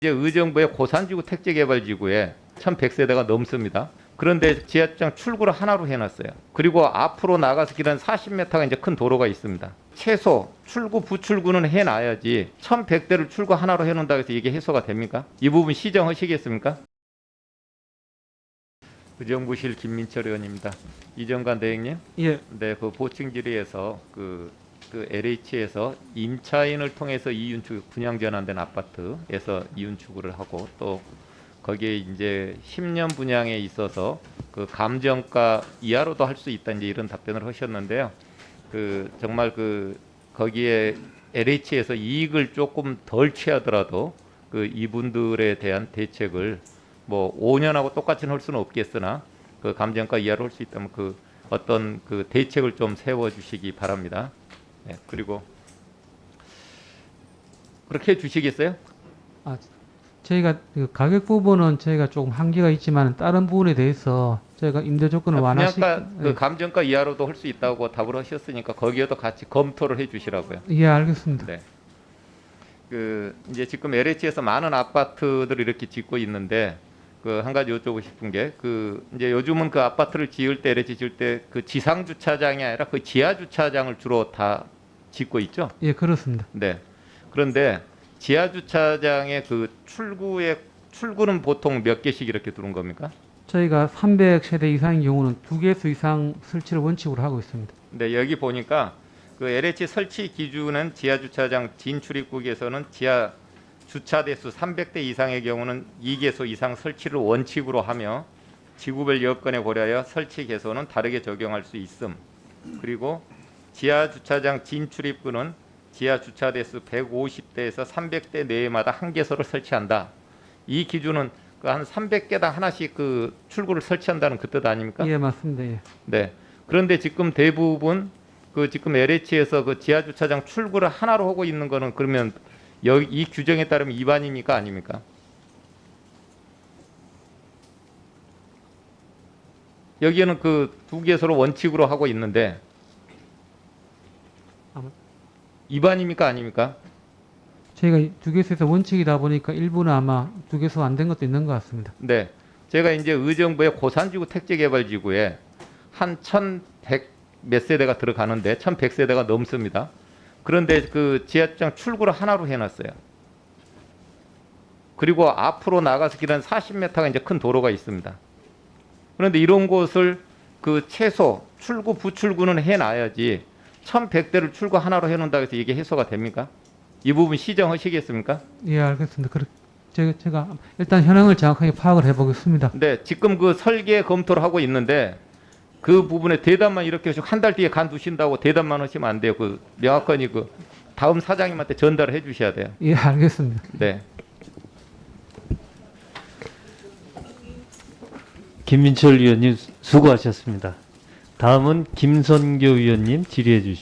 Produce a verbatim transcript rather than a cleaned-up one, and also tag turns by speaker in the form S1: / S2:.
S1: 이제 의정부의 고산지구 택지개발지구에 천백 세대가 넘습니다. 그런데 지하주차장 출구를 하나로 해놨어요. 그리고 앞으로 나가서 길은 사십 미터가 이제 큰 도로가 있습니다. 최소 출구 부출구는 해놔야지 천백 대를 출구 하나로 해놓는다고 해서 이게 해소가 됩니까? 이 부분 시정하시겠습니까? 의정부실 김민철 의원입니다. 이정관 대행님.
S2: 예.
S1: 네, 그 보충 질의에서 그, 그 엘에이치에서 임차인을 통해서 이윤축 분양 전환된 아파트에서 이윤축을 하고 또 거기에 이제 십 년 분양에 있어서 그 감정가 이하로도 할 수 있다 이제 이런 답변을 하셨는데요. 그 정말 그 거기에 엘에이치에서 이익을 조금 덜 취하더라도 그 이분들에 대한 대책을 뭐 오 년하고 똑같이는 할 수는 없겠으나 그 감정가 이하로 할 수 있다면 그 어떤 그 대책을 좀 세워 주시기 바랍니다. 네, 그리고 그렇게 해 주시겠어요?
S2: 아, 저희가 그 가격 부분은 저희가 조금 한계가 있지만 다른 부분에 대해서 저희가 임대 조건을 완화시.
S1: 분양가 그 감정가 이하로도 할 수 있다고 답을 하셨으니까 거기에도 같이 검토를 해 주시라고요.
S2: 예, 알겠습니다.
S1: 네. 그 이제 지금 엘에이치에서 많은 아파트들을 이렇게 짓고 있는데 그 한 가지 여쭤보고 싶은 게 그 이제 요즘은 그 아파트를 지을 때 엘에이치 지을 때 그 지상 주차장이 아니라 그 지하 주차장을 주로 다 짓고 있죠.
S2: 예, 그렇습니다.
S1: 네. 그런데 지하 주차장의 그 출구에 출구는 보통 몇 개씩 이렇게 두는 겁니까?
S2: 저희가 삼백 세대 이상인 경우는 두 개수 이상 설치를 원칙으로 하고 있습니다.
S1: 네, 여기 보니까 그 엘에이치 설치 기준은 지하 주차장 진출입국에서는 지하 주차 대수 삼백 대 이상의 경우는 이 개소 이상 설치를 원칙으로 하며 지구별 여건에 고려하여 설치 개소는 다르게 적용할 수 있음. 그리고 지하 주차장 진출입구는 지하 주차 대수 백오십 대에서 삼백 대 내외마다 한 개소를 설치한다. 이 기준은 그 한 삼백 개당 하나씩 그 출구를 설치한다는 그 뜻 아닙니까?
S2: 예, 맞습니다. 예.
S1: 네. 그런데 지금 대부분 그 지금 엘에이치에서 그 지하 주차장 출구를 하나로 하고 있는 거는 그러면 여기 이 규정에 따르면 위반입니까 아닙니까? 여기에는 그 두 개소로 원칙으로 하고 있는데
S2: 아마
S1: 위반입니까 아닙니까?
S2: 저희가 두 개수에서 원칙이다 보니까 일부는 아마 두 개수 안 된 것도 있는 것 같습니다.
S1: 네. 제가 이제 의정부의 고산지구 택지개발지구에 한 천백 몇 세대가 들어가는데 천백 세대가 넘습니다. 그런데 그 지하주차장 출구를 하나로 해놨어요. 그리고 앞으로 나가서 길은 사십 미터가 이제 큰 도로가 있습니다. 그런데 이런 곳을 그 최소 출구 부출구는 해놔야지 천백 대를 출구 하나로 해놓는다고 해서 이게 해소가 됩니까? 이 부분 시정하시겠습니까?
S2: 예, 알겠습니다. 그렇 제가, 제가 일단 현황을 정확하게 파악을 해보겠습니다.
S1: 네, 지금 그 설계 검토를 하고 있는데 그 부분에 대답만 이렇게 하시고 한 달 뒤에 간두신다고 대답만 하시면 안 돼요. 그 명확하니 그 다음 사장님한테 전달을 해 주셔야 돼요.
S2: 예, 알겠습니다.
S1: 네.
S3: 김민철 위원님 수고하셨습니다. 다음은 김선교 위원님 질의해 주십시오.